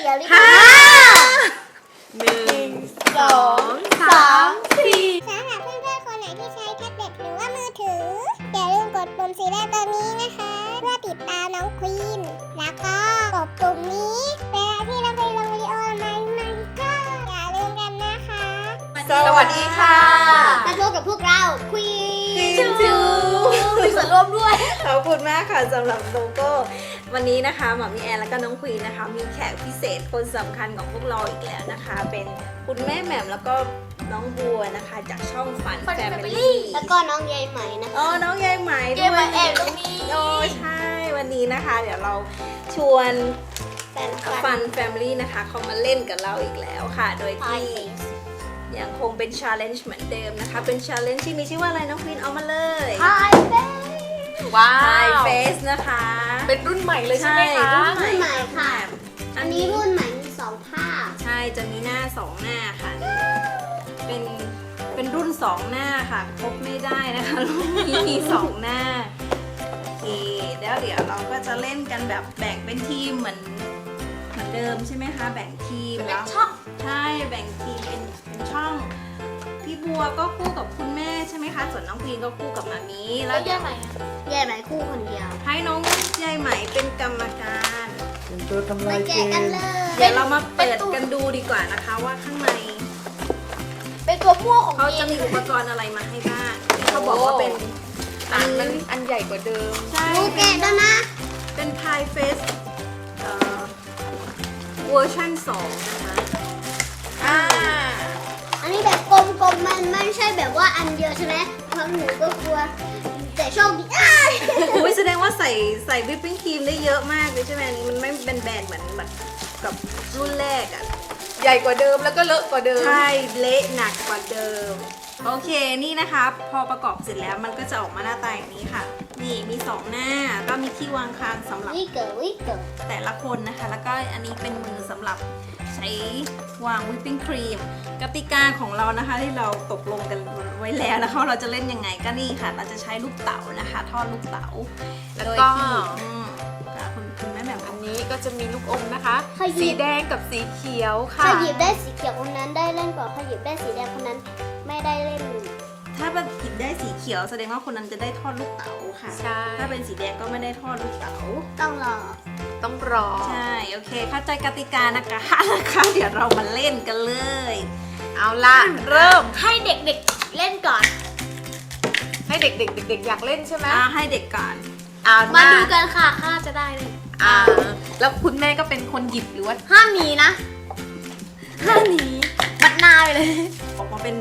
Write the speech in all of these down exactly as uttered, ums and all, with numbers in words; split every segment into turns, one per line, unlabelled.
ขียวลิป
ห้าหนึ่งสองสามสี่
สำหรับเพื่อนๆคนไหนที่ใช้แท็บเล็ตหรือว่ามือถืออย่าลืมกดปุ่มสีแดงตัวนี้นะคะเพื่อติดตามน้องควีนแล้วก็กดปุ่มนี้เวลาที่เราไปลงวิดีโอใหม่ๆก็อย่าลืมกันนะคะ
สวัสดีค่ะ
มาพบกับพวกเราควีน
จูจู
มีส่วนร่วมด้วย
ขอบคุณมากค่ะสำหรับโลโก้วันนี้นะคะหมอมีแอนแล้วก็น้องควีนนะคะมีแขกพิเศษคนสำคัญของพวกเราอีกแล้วนะคะ เป็นคุณแม่แหม่มแล้วก็น้องบัวนะคะจากช่องฝันแฟมิลี่
แล้วก็น้องยายไหมนะคะ
อ๋อน้องยายไหม
ยายไหมแอบตรงนี้
โอ้ใช่วันนี้นะคะ เดี๋ยวเราชวน
แฟน
ฟันแฟมิลี่นะคะเขามาเล่นกับเราอีกแล้วค่ะ โดยที่ยังคงเป็น challenge เหมือนเดิมนะคะ เป็น challenge ที่มีชื่อว่าอะไรน้องควีนเอามาเลย
ไฮเฟส
ว้า
Hi
ว
Face นะคะ
เป็นรุ่นใหม่เลยใช่ไหมคะ
รุ่น
รุ่นใหม่ค่ะ
อั
อั
น
น
นี้
นี้รุ่นใหม่มีสองภาพ
ใช่จะมีหน้าสองหน้าค่ะ เป็นเป็นรุ่นสองหน้าค่ะครบไม่ได้นะคะรุ่นนี้มีสองหน้าโอเคแล้วเดี๋ยวเราก็จะเล่นกันแบบแบ่งเป็นทีมเหมือนเหมือนเดิมใช่ไหมคะแบ่งทีมแล้ว
ช่อง
ใช่แบ่งทีมเป็นเป็นช่อง พี่บัวก็คู่กับคุณแม่ใช่ไหมคะ ส่วนน้องพีนก็คู่กับมามีแล้วเดี๋ยว
ยายไหมคู่คนเดียว
ให้น้องยายไหมเป็นกรรมการ
เป็นตัวทำ
มา
ลายเก
แกะกัน
ม
เลย
เดี๋ยวเรามาเปิดกันดูดีกว่านะคะ ว่าข้างใน
เป็นตัวม่วงของ
เขาจะมีอุปกรณ์อะไรมาให้บ้างที่เขาบอกว่าเป็น
อันมันอันใหญ่กว่าเดิม
ใช่
ดูแกะแล้วนะ
เป็นพายเฟสเอ่อเวอร์ชันสองนะคะ
อ่า
อันนี้แบบกลมๆมันไม่ใช่แบบว่าอันเดียวใช่ไหมเพราะหนูก็กลัวแต่โชคดีอ้าย
อุ้ยแสดงว่าใส่ใส่วิปปิ้งครีมได้เยอะมากเลยใช่ไหมอันนี้มันไม่เป็นแบนๆเหมือนแบบกับรุ่นแรกอะ
ใหญ่กว่าเดิมแล้วก็เลอะกว่าเดิม
ใช่เละหนักกว่าเดิม โอเคนี่นะคะ พอประกอบเสร็จแล้วมันก็จะออกมาหน้าตาอย่างนี้ค่ะ นี่มีสองหน้าก็มีที่วางคางสำหรับ
วิเกิดวิเกิด
แต่ละคนนะคะ แล้วก็อันนี้เป็นมือสำหรับใช้วางวิปปิ้งครีมกติกาของเรานะคะที่เราตกลงกันไว้แล้วนะคะว่าเราจะเล่นยังไงก็นี่ค่ะ เราจะใช้ลูกเต๋านะคะทอดลูกเต๋า
แล้ว
โดย
ก็
ที่อืมค่ะคุณคุณแม่แบบ
อันนี้ก็จะมีลูกอมนะคะ
ขยิ
สี
บ
แดงกับสีเขียว
ข
ค่ะ
ยิบได้สีเขียวคนนั้นได้เล่นก่อนขยิบได้สีแดงคนนั้นไม่ได้เล่น
ถ้าเป็นหยิบได้สีเขียวแสดงว่าคนนั้นจะได้ทอดลูกเต๋าค่ะ
ใช่
ถ้าเป็นสีแดงก็ไม่ได้ทอดลูกเต๋า
ต้องรอ
ต้องรอ
ใช่ โอเค เข้าใจกติกานะคะ นะคะ เดี๋ยวเรามาเล่นกันเลย
เอาล่ะ เริ่ม
ให้เด็กๆเล่นก่อน
ให้เด็กๆเด็กๆอยากเล่นใช่ไหม
อ่าให้เด็กก่อน
อ่า
มา
มา
ดูกันค่ะข้าจะได้เลย
อ่า แล้วคุณแม่ก็เป็นคนหยิบหรือว่า
ห้ามหนีนะห้ามหนีมัดหน้าไปเลย
ออกมาเป็น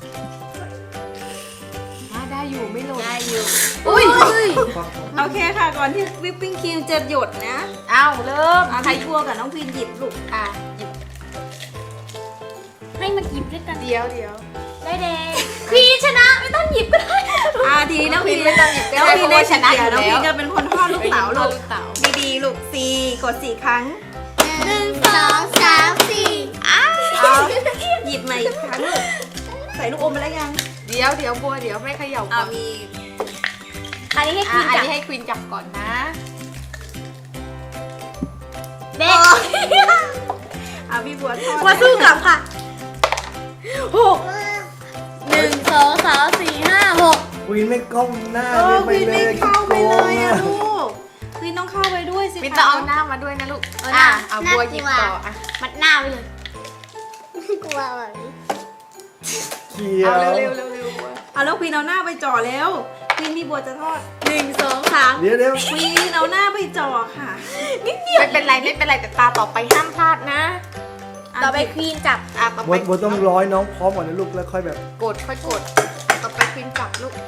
อ่าได้อยู่ไม่หล่น
ได้อยู่
อุ้ย
โอเคค่ะ ก่อนที่วิปปิ้งครีมจะหยดนะ
เอาเริ่ม
อ่ะใครทั่วกับน้องพีนหยิบลูก
อ่ะหยิบ
ให้มันหยิบด้วยกัน
เดี๋ยวเดี๋ยว
ได้เดงควีนชนะไม่ต้องหยิบก็ได้
อ่าทีนี้น้องพีน
ไม่ต้องหยิบก็
น้อง
ได้
พี
เพ
น
ราะ
ได้
ว่า
ช
ช
นะ
นะ
อ
อยู่ ยู่
น้อง
แล้
พี
วน
จะเป็นคนทอดลูกเต๋าลูก
ลูกเต๋า
ดีๆลูกสี่กดสี่ครั้ง
หนึ่งสองสามสี่
เอาหยิบมาอีกครั้งลูกใส่ลูกอมไปแล้วยัง
เดี๋ยวเดี๋ยวบัวเดี๋ยวไม่เขย่าก่
เอา
อน
มี
อันนี้ให้ค
อ่ะ
วีน
อัน
จับ
นี้ให้ควีนจับก่อนนะ
เด็ก
เอาพี่บัวทอด
มาสู้กลับค่ะหกหนึ่งสองสามสี่ห้าหก
วินไม่ก้มหน้า
เออ
ไป
พีน
เล
ไม่
ย
เข้าไปเลยอะ
โกง
ลูกพีนต้องเข้าไปด้วยสิ
ควีน
คะ
จะเอาหน้ามาด้วยนะลูก
เอาหน้า
อ่ะเอาบัวหยิบต่ออ่ะ
มัดหน้าไปเลยกลัวแบบนี้
เขีย
เอา
ว
เร็วเร็วเร็วเร็วบัว
เอาแล้วพีนเอาหน้าไปจ่อแล้วพีนมีบัวจะทอด
หนึ่งสองสาม
เดี๋ยวเดี๋ยว
พีนเอาหน้าไปจ่อค่ะ
ไม่เป็นไรไม่เป็นไรแต่ตาต่อไปห้ามพลาดนะ
ต่อไปควีนจับ
อ่ะต่อ
บั
ไป
วบัวต้องร้อยน้องพร้อมก่อนนะลูกแล้วค่อยแบบ
กดค่อยกดต่อไปควีนจับลูก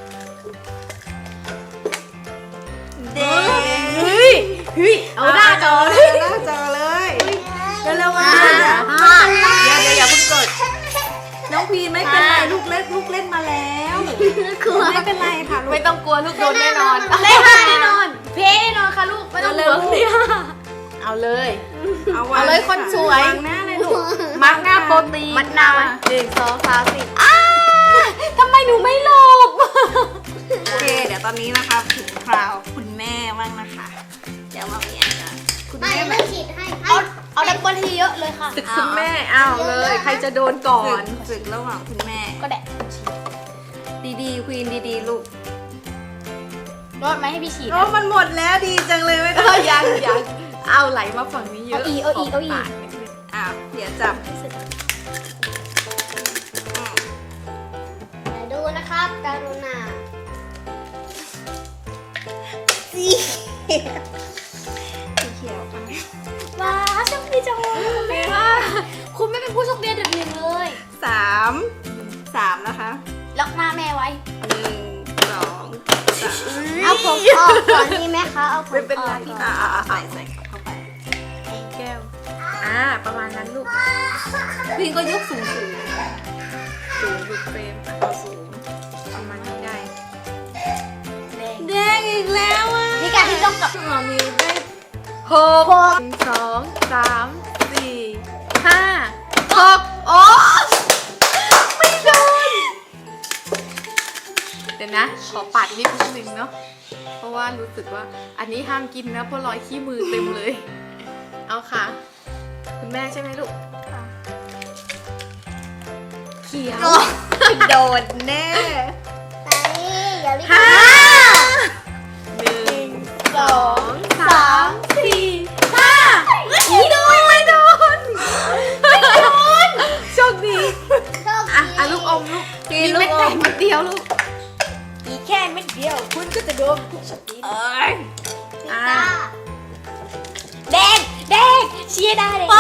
เด็ก
เฮ้ยเฮ้ยเอาหน้าจอเลย
หน้าจอเลยเร็วๆมา
ห้า
เดี๋ยวเดี๋ยวอย่าเพิ่งกด
น้องพีนไม่เป็นไรลูกเล่นลูกเล่นมาแล้ว
กลัว
ไม่เป็นไรค่ะลูก
ไม่ต้องกลัวลูกโดนแน่นอน
เล่นห้าแน่นอน เพแน่นอนค่ะลูก ไม่ต้อง
เร็
ห่ว
ว
ง
ๆ
เนี่ย
เอาเลย
เอาวาง
เอาเลยคนสวย
วางหน้าเลยลูก
มาร์กหน้าโปรตีน
มัดหน้าไว้
หนึ่งสองสามสี่อ้าทำไมหนูไม่หลบ
โอเค เดี๋ยวตอนนี้นะคะถึงคราวคุณแม่บ้างนะคะ เดี๋ยวมามีอันนะคุณ
ไม่
แม่แบ
ไม่
บ
ฉีดให้ เอาเอาดับบอลที
เยอะๆเลยค่ะ
ศึกคุณแม่เอาเลย ใครจะโดนก่อน ศึกระหว่างคุณแม่
ก็แดะ
ดีๆควีนดีๆลูก
รอดไหมให้พี่ฉีด
โอ้มันหมดแล้วดีจังเลยไหม
เอ
คะ
อยังยัง
เอาไหลมาฝั่งนี้เยอะ
เอาอีกเอาอีกเอาอีก
ขปดอ้าวเดี๋ยวจับอืม
มาดูนะครับกรุณา
สีเขียวค่ะ
ว้าวโชคดีจังเลยคุณแม่คุณไม่เป็นผู้โชคดีอันดับหนึ่งเลย
สามสามนะคะ
ล็อกหน้าแม่ไว้
หนึ่งสองสาม
เอาผมออกก่อนดีไหมคะเอาผม
ไม่เป็นไร
ออกก่อน
อ่าอ่าใส่ใส่เข้าไปแก้วอ่าประมาณนั้นลูกพี่ก็ยกสูงสูงสูงดูเฟรมอ่ะเอาสูงประมาณนี้ได้
แดง
แดงอีกแล้วอ่ะ
มีการที่ต้องกลับ
มามีได้หกหนึ่งสองสามสี่ห้าหกโอ้ไม่โดนเดี๋ยวนะ ขอปัดนิดนึงเนาะเพราะว่ารู้สึกว่าอันนี้ห้ามกินนะเพราะรอยขี้มือเต็มเลย เอาค่ะ คุณแม่ใช่ไหมลูกเขียวโดนแน่
ไปอย่ารีบ
ห้าหนึ่งสองสามสี่ห้าไม่โดนไม่โดนไม่โดนโชคดี
โชค
อ่ะ
ดี
อ่ะลูกอมลูกกินลูกอมเม็ดเดียวลูก
อีกแค่เม็ดเดียว คุณก็จะโดนผู้โชคดี
เอ้ย
พิ
อ่ะ
ต้า
แดงแดงเชียร์ได้เลย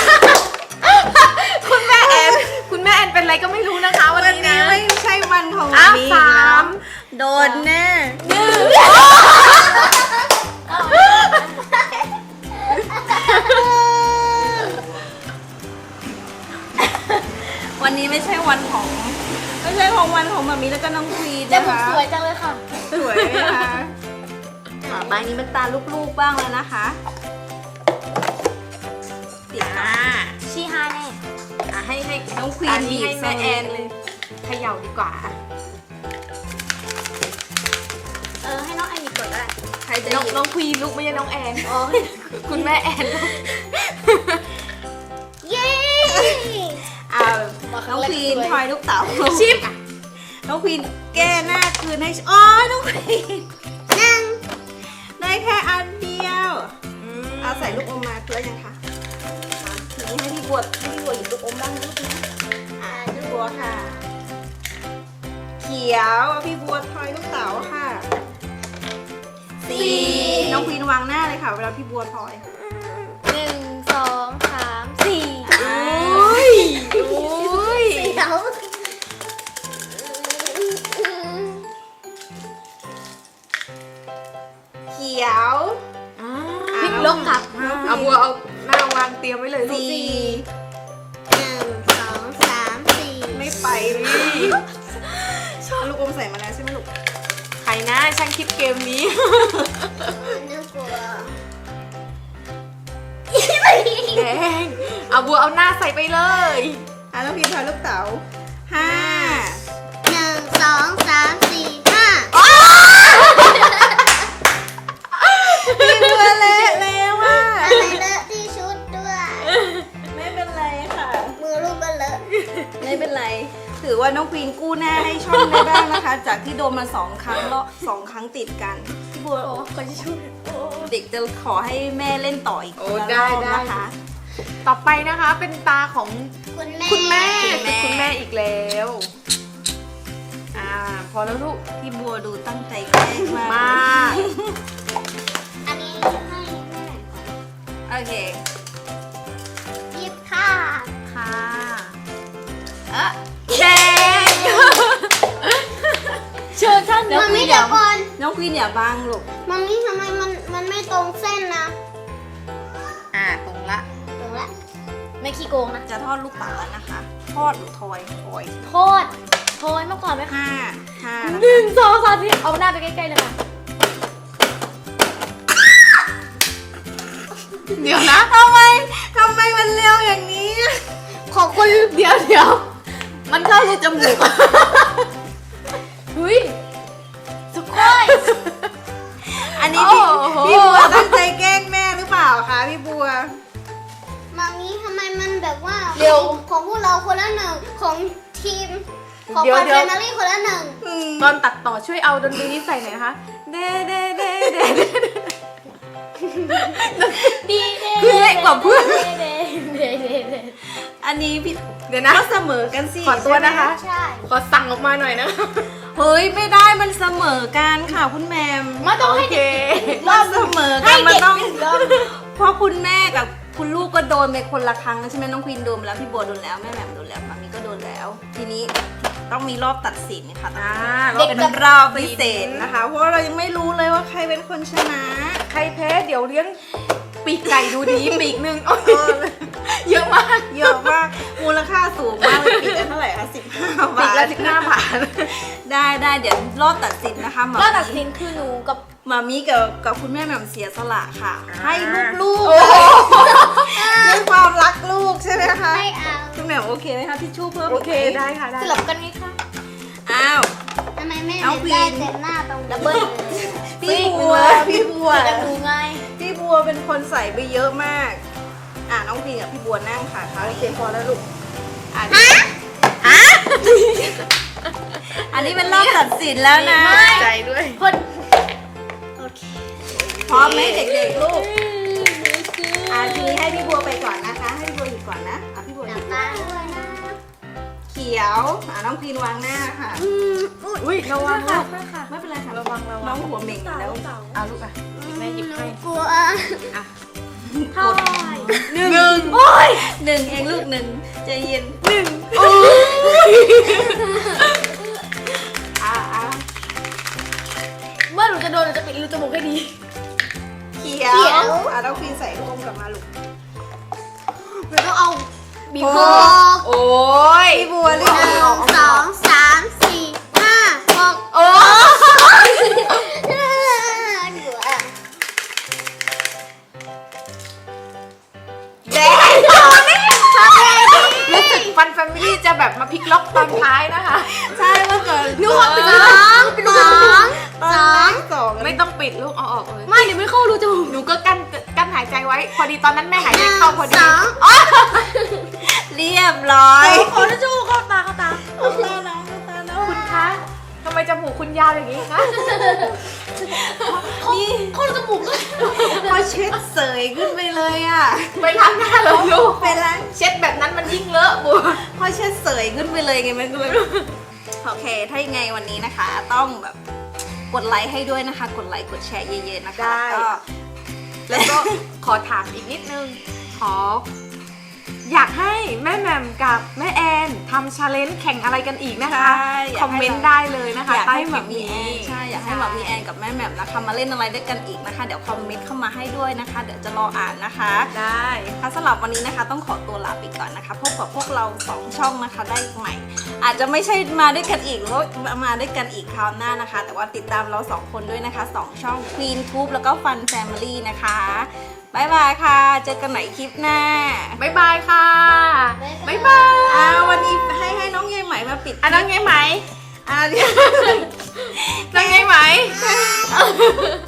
คุณแม่แอนคุณแม่แอนเป็นอะไรก็ไม่รู้นะคะวันนี้นะไม่ใช่วันของ
อ้าว
มี
สาม
โดนแน่หนึ่งวันนี้ไม่ใช่วันของ ไม่ใช่ของวันของมามีแล้วก็น้องควีน
แต่
นะ
ผม
คะ
สวยจังเลยค่ะ
สวยไหมคะอ่ะใบนี้เป็นตาลูกๆบ้างแล้วนะคะติดอ่ะ
ชีฮาแน่
อ่ะให้ให้น้องควีนบีบแม่แอนเลยเขย่าดีกว่า
เออให้น้องไอมีกดได้
ใครจะน้องน้องควีนลูกไม่ใช่น้องแอน
อ๋อ
คุณแม่แอนลูก
เย้
อ่าน้องควีนทอยลูกเต๋าชิปน้องควีนแก้หน้าคืนให้อ๋อน้องควีน
หนึ่ง
ได้แค่อันเดียวเอาใส่ลูกอมมาเพื่อยังคะอ่ะทีนี้ให้พี่บัวให้พี่บัวหยิบลูกอมบ้างลูกนะอ่าพี่บัวค่ะ เขียวพี่บัวทอยลูกเต๋าค่ะสี่น้องควีนวางหน้าเลยค่ะเวลาพี่บัวทอย
หนึ่งสองสามสี่
อุ้ยอุ้ย
เดี๋ยว
เขียว
พลิกลงกลับ
เอาบัวเอาหน้าวางเตรียมไว้เลยลูก
สี่หนึ่งสองสามสี่
ไม่ไปเลยเอาลูกอมใส่มาแล้วใช่ไหมลูกใครนะช่างคิดเกมนี้
น่ากลัว
แดงเอาบัวเอาหน้าใส่ไปเลยอ่ะแล้วพิมพ์ทอยลูกเต๋าห้า
หนึ่งสองสามสี่ห้า
พิมพ์ตัวเละแล้วอ่ะ
อะไรเลอะที่ชุดด้วย
ไม่เป็นไรค่ะ
มือลูกก็เลอะ
ไม่เป็นไร ถือว่าน้องควีนกู้หน้าให้ช่องได้บ้างนะคะ จากที่โดนมาสองครั้งแล้วสองครั้งติดกันพี่บัว
โอ้คนที่ช่วยโอ้
เด็กจะขอให้แม่เล่นต่ออีก
โอ้
ละ
ได้
รอบ
ได้
นะคะ
ต่อไปนะคะเป็นตาของ
คุณแม่
คุณแม่
คุณแม่
คุณแม่อีกแล้ว อ่า พอแล้วลูก
พี่บัวดูตั้งใจแกล้งมาก
มาก
อันนี้ให้แม่
โอเค
หยิบค่ะ
ค่ะเอ๊ะแดง
เชิญท่าน
เดี๋ยว
มันไม่
เดี๋
เดี๋
ย
ยว วก่อน
น้องควีนอย่าบังลูก
มันนี่ทำไมมันมันไม่ตรงเส้นนะ
อ่าตรงละ
ตรงละ
ไม่ขี้โกงนะ
จะทอดลูกเต๋าแล้วนะคะ ทอดหรือทอยทอย
โทษโทษมาก่อนไหมคะ
ห้าห้านะ
หนึ่งสองสามสี่เอาหน้าไปใกล้ๆเลยค่ะ
เดี๋ยวนะ
ทำไมทำไมมันเร็วอย่างนี้
ขอบคุณ
เดี๋ยวเดี๋ยวมันเข้าในจมูก
เฮ้ยสุดยอด
อันนี้พี่
โอ้โห
พี่บัวตั้งใจแกล้งแม่หรือเปล่าคะพี่บัว
มัมนี้ทำไมมันแบบว่า
เร็ว
ของพวกเราคนละหนึ่งของทีมของ
เดี๋ยว
ฟัน
เดี๋
แฟ
ยว
มิลี่คนละหนึ่ง
ตอนตัดต่อช่วยเอาดนตรีนี้ใส่หน่อยนะคะ
เด้เด้เด้เด้
ดี
คือเล็กกว่าเพื่อน
เด้เด้เด้เด้
อันนี้พี่
เดี๋ยวนะ
ก็เสมอกันสิ
ขอตัวนะคะ
ใช่
ขอสั่งออกมาหน่อยนะ
เฮ้ยไม่ได้มันเสมอกันค่ะคุณแมม
มาต้องให้
โอเค
เด็ก
มันเสมอ
ให้
กันมัน
เด็ก
ต้อง
หนึ่งรอบ
เพราะคุณแม่กับคุณลูกก็โดนไปคนละครั้งใช่ไหมน้องควีนโดนไปแล้วพี่บัวโดนแล้วแม่แหม่มโดนแล้วมามีก็โดนแล้ว ทีนี้ต้องมีรอบตัดสินค่ะ
อ่า
เด็กเป็นรอบพิเศษนะคะ เพราะว่าเรายังไม่รู้เลยว่าใครเป็นคนชนะ
ใครแพ้เดี๋ยวเลี้ยงปีกไก่ดูดีปีกหนึ่งโอ้ยเยอะมาก
เยอะมากมูลค่าสูงมากเลยปีละเท่าไหร่คะสิบห้า
ปี
บาก ท
ละสิบห้าบาท
ได้ได้เดี๋ยวรอบตัดสินนะคะหมอ
ก็ตัดสินคือหนูกับ
หมามีกับกับคุณแม่แหม่มเสียสละค่ะ
อ่า
ให้ลูกๆด้วยความรักลูกใช่ไหมคะ
ไม่เอา
คุณแหม่มโอเคไหมคะที่ชู่เพิ่ม
โอ
อีก
เค
ไหม
ได้ค่ะได้
สลับกันไงคะ
อ้าว
ทำไมแม่
เอา
ไม่
ควี
ได้
น
เต็มหน้าตรงดับเบิ้ล
พี่บัวพี่บัว
จะดูไง
พี่บัวเป็นคนใส่ไปเยอะมาก อ่าน้องพีกับพี่บัวนั่งค่ะคราวนี้พอแล้วลูกอ่ะฮะอันนี้เป็นรอบตัดสินแล้วนะ
ใจด้วย
คน
พร้อมไหมเด็กๆลูกอ่ะทีนี้ให้พี่บัวไปก่อนนะคะ ให้พี่บัวหยิบก่อนนะอ่ะพี่บัวห
หนั
ยิ
ก
บ
ตาด้วยนะ
เขียวอ่ะน้องพีนวางหน้าค่ะ
อุ้ยระวังลูก
ไม่เป็นไรค่ะ
ระวังระวัง
น้องหัวเหม่งอยู่แล้วเอาลูกอ่ะ
แม่หยิบให้
กลัว
เท่าไหร่
หนึ่งหนึ่งโอ้ยหนึ่งเองลูกหนึ่งใจเย็นหนึ่งอ่ะอ่ะ
เมื่อหนูจะโดนหนูจะปิดรูจมูกให้ดี
เขียวอ่ะน้องพีนใส่ลูกอมกลับมาลูก
หนูต้องเอาบีบ
โอ้
คอโอ้ย
พี่บัวเรียก
หนึ่งสองสามสี่ห้าหก
โอ้
กลัว
แดง
รู้สึกฟันแฟมิลี่จะแบบมาพลิกล็อกตอนท้ายนะคะ
ใช่เมื่อก่อน
นึกว่าเป็น
ส
รูจ
อ
มูก
ง
เป็นรู
ส
จ
อ
มูก
ง
ตอน
สอ
แร
ง
กสอง
ไม่ต้องปิดลูกเอาออกเลยไม่เดี๋ยวไม่เข้ารูจมูกหนูก็กั้นกั้นหายใจไว้ พอดีตอนนั้นแม่หายใจเข้าพอดี
สอง
เรียบร้อย
ขอทิชชู่เข้าตาเข้าตา
เอาตาน้องเอาตาน้อง
คุณคะทำไมจมูกคุณยาวอย่างนี้คะ
นี่
เข้าจมูกเลย
พอเช็ดเสยขึ้นไปเลยอ่ะ
ไปล้างหน้าเลยลูก
ไปล้าง
เช็ดแบบนั้นมันยิ่งเลอะบัว
พอเช็ดเสยขึ้นไปเลยไงมันก็เลยโอเค ถ้ายังไงวันนี้นะคะ ต้องแบบกดไลค์ให้ด้วยนะคะ กดไลค์กดแชร์เยอะๆนะคะก็
แล้วก็ขอถามอีกนิดนึง ขอ อยากให้แม่แหม่มกับแม่แอนทำชาเลนจ์แข่งอะไรกันอีกนะคะ
ใช่อยากให้
คอมเมนต์ได้เลยนะคะ
อยาก
ใต้
ให้
ค
ห
ลิ
มา
ป
มี
นี้
แอนใช่อยากให้หมามีแอนกับแม่แหม่มนะคะมาเล่นอะไรด้วยกันอีกนะคะ เดี๋ยวคอมเมนต์เข้ามาให้ด้วยนะคะ เดี๋ยวจะรออ่านนะคะ
ได้
ค่ะสำหรับวันนี้นะคะต้องขอตัวลาไปก่อนนะคะพบกับพวกเราสองช่องนะคะได้ใหม่ อาจจะไม่ใช่มาด้วยกันอีกหรือว่ามาด้วยกันอีกคราวหน้านะคะ แต่ว่าติดตามเราสองคนด้วยนะคะสองช่อง Queen Tube แล้วก็ Fun Family นะคะบ๊ายบายค่ะเจอกันใหม่คลิปหน้า
บ๊ายบายค่ะ บ๊ายบาย
อ่าวันนี้ให้ให้น้องยายไหมมาปิด
อ่ะน้องไงไหม
อ่าเดี๋ยว
น้องไงไหม